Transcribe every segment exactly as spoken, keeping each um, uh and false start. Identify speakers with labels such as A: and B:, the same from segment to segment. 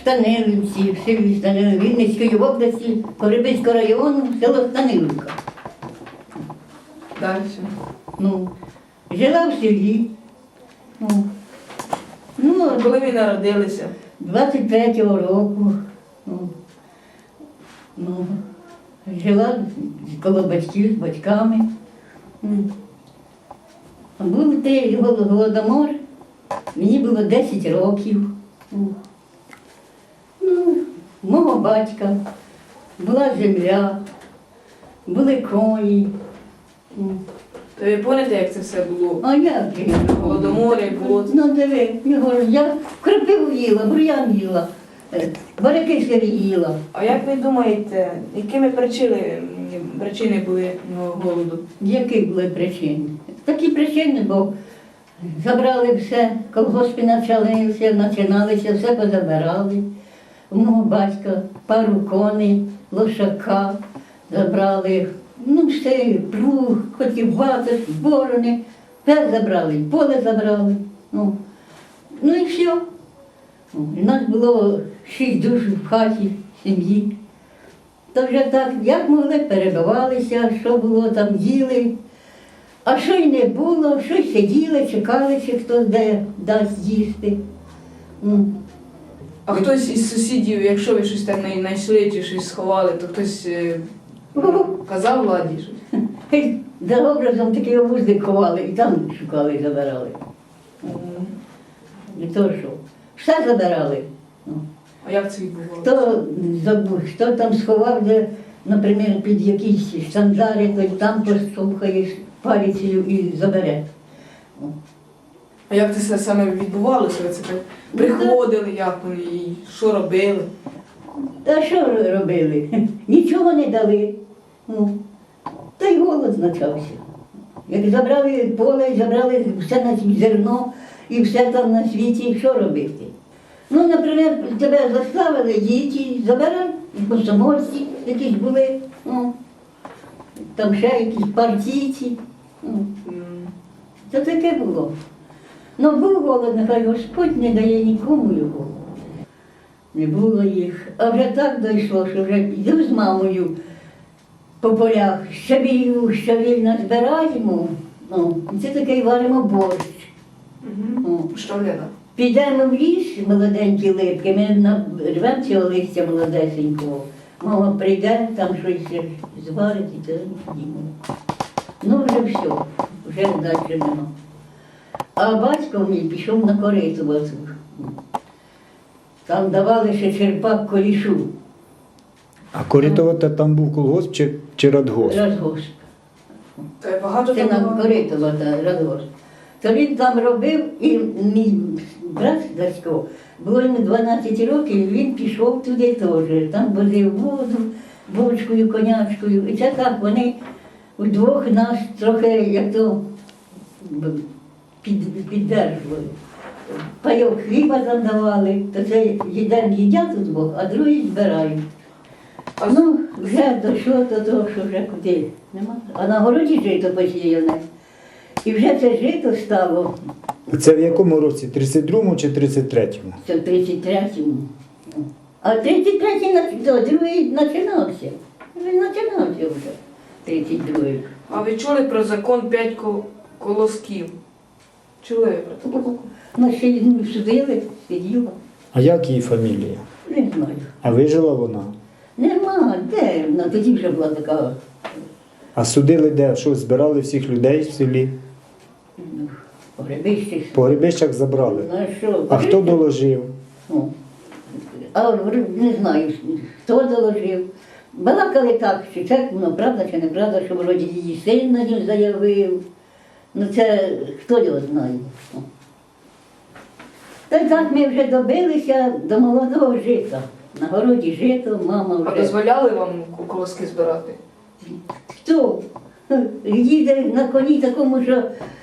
A: Станилівці, в селі Станилів, Вінницької області, Погребиського району, село Станилівка.
B: Далі.
A: Ну, жила в селі. Ну, ну,
B: Коли ви народилися?
A: двадцять третього року. Ну, ну, жила коло батьків, з батьками. Ну, був той голодомор, мені було десять років. Ну, ну, мого батька була земля, були коні. Ну,
B: То ви пам'ятаєте, як це все було?
A: а як же?
B: Голодомори, було.
A: Ну, диви, його ж я крапиву їла, бур'ян їла, е, баряки сирі їла.
B: А як ви думаєте, якими причини, причини були ну, голоду?
A: Які були причини? Такі причини, бо забрали все, колгоспи почалися, починалися, все позабирали. У мого батька пару коней, лошака забрали, ну все, плуг, хотів ватер, борони, все забрали, поле забрали. Ну, ну і все. У нас було шість душ в хаті, в сім'ї. То вже так, як могли, перебивалися, що було там, їли. А що й не було, щось сиділи, чекали, чи хтось де дасть їсти. Ну,
B: А хтось із сусідів, якщо ви щось там не знайшли чи щось сховали, то хтось е, казав владі щось?
A: за образом такий вузлик ховали і там шукали і забирали. І то що? Все забирали. Ну.
B: А як це відбувалося?
A: Хто забув, хто там сховав, де, наприклад, під якісь штандари, то й там послухаєш палицею і забере.
B: А як це все саме відбувалося? Ви це так приходили, як вони, і що робили?
A: Та що робили? Нічого не дали. Ну, та й голод почався. Як забрали поле, забрали все на світ, зерно і все там на світі, що робити? Ну, наприклад, тебе заставили діти, забирали, комсомольці якісь були, ну, там ще якісь партійці. Ну, це таке було. Ну, був голод, нехай Господь не дає нікому його. Не було їх. А вже так дійшло, що вже йду з мамою по полях, щавілю, щавіль збираємо, ну, і це таке варимо борщ.
B: Угу. Що Лена?
A: Підемо в ліс, молоденькі липки, ми на- рвемо цього листя молодесенького. Мама прийде, там щось зварить і то їмо. Ну вже все, вже далі нема. А батько мій пішов на кориту оцю. Там давали ще черпак корішу,
C: А Коритова там був колгосп чи, чи радгосп?
A: радгосп.
B: То є багато
A: Це
B: там
A: на
B: було?
A: Коритова, та радгосп. То він там робив, і мій брат Дасько, було йому дванадцять років, він пішов туди теж. Там возив воду, бочкою, конячкою. І це так вони вдвох нас трохи, як то, під, піддержували. Пайок хліба там давали, то це один їдять удвох, а другий збирають.
B: А
A: Ну, вже дійшло до того, що вже куди нема. А на городі жито посіяне. І вже це жито стало,
C: Це в якому році? тридцять другому чи тридцять третьому?
A: це в тридцять третьому. А тридцять третій, нач- то другий починався. Він починався вже, тридцять другий.
B: А ви чули про закон п'ять ко- колосків? Чули ви про це?
A: Ну, ще ну, судили, сиділа,
C: А як її фамілія?
A: не знаю.
C: А вижила вона?
A: Нема, де вона, тоді вже була така,
C: А судили де? Що, збирали всіх людей в селі?
A: ну, погребище.
C: По грибищах забрали.
A: Ну, а що?
C: А хто доложив?
A: Ну, а не знаю, хто доложив. Балакали так, чи це ну, правда чи неправда, що вроді її син на нього заявив. Ну це хто його знає. Ну. Та й так ми вже добилися до молодого жита. На городі жито, мама
B: А
A: вже.
B: дозволяли вам колоски збирати?
A: Хто? Їде на коні такому, що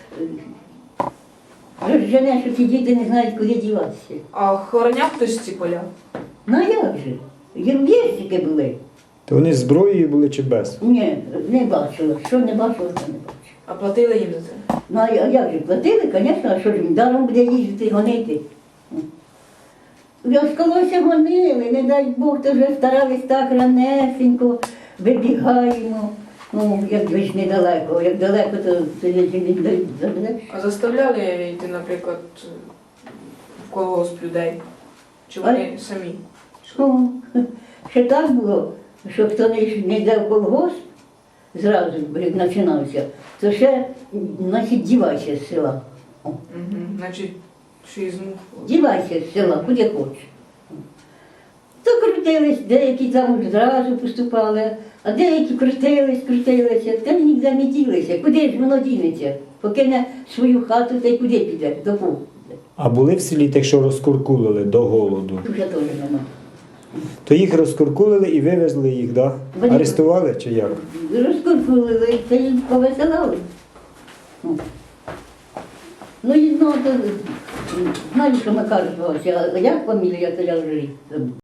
A: розжене, що ці діти не знають, куди діватися.
B: А охороняв хтось ці поля?
A: Ну а як же? Єм'єстики були.
C: То вони з зброєю були чи без?
A: Ні, не бачила. Що не бачила, то не бачила.
B: А платили їм за це?
A: Ну а я- а як же платили, звісно, а що ж він даром буде їздити, гонити. Розколося гонили, не дай Бог, то вже старались так ранесенько, вибігаємо. Ну, як ви ж недалеко, як далеко, то тоді не дають забереш.
B: А заставляли йти, наприклад, в колгосп людей? Чи вони самі?
A: Що? Ще так було, що хто не, йш- не йде в колгосп, зразу, як починався, то ще, значить, дівайся з села. О,
B: Угу. Значить, шизм.
A: дівайся з села, куди хочеш. То крутились, деякі там зразу поступали, а деякі крутились, крутилися, та ніде не ділися. Куди ж воно дінеться? Покине свою хату, та й куди піде, до кого піде.
C: А були в селі тих, що розкуркулили до голоду?
A: Вже теж нема.
C: То їх розкуркулили і вивезли їх, да?
A: Вони-
C: Арестували чи як?
A: Розкуркулили, та й повеселали. Ну. Ну і знову, то, знаю, що Макар звався, а як фамілія, то я вже й забув.